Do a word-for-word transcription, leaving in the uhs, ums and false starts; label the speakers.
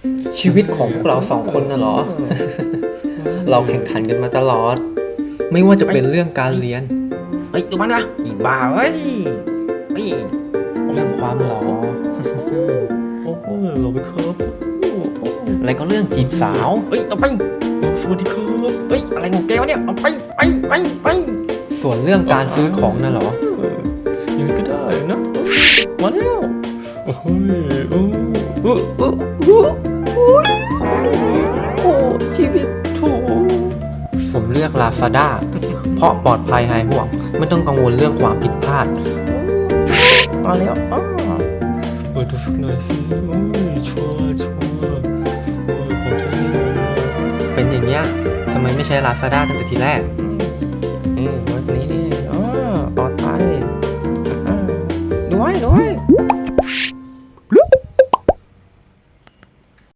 Speaker 1: ชีวิตของพวกเราสองคนน่ะเหรอ เราแข่งขันกันมาตลอด ไม่ว่าจะเป็นเรื่องการเรียน
Speaker 2: เฮ้ยดูมันนะอีบ้าเฮ้ยเฮ้ย
Speaker 1: เรื่องความหล่อ
Speaker 3: โอ้โหเราไปครับโอ้โห
Speaker 1: อะไรก็เรื่องจีบสาว
Speaker 2: เฮ้ยเอาไป
Speaker 3: สวัสดีครับ
Speaker 2: เฮ้ยอะไรของแกวะเนี่ยเอาไปไปไปไป
Speaker 1: ส่วนเรื่องการซื้อของน่ะเหรอ
Speaker 3: เออยังไงก็ได้นะมาแล้วโอ้ยโอ้โอ้โอ้โอ้โอ้ยโอ้ชีวิตโถ
Speaker 1: ผมเลือก Lazada เพราะปลอดภัยหายห่วง ไม่ต้องกังวลเรื่องความผิดพลาด
Speaker 2: มาแล้วอ้า
Speaker 3: เปิดดูสักหน่อยสิโอ้ยชัวร์ชัวร์โอ้ยของแท้เลย
Speaker 1: เป็นอย่างเนี้ยทำไมไม่ใช้ Lazada ตั้งแต่ทีแรก อืม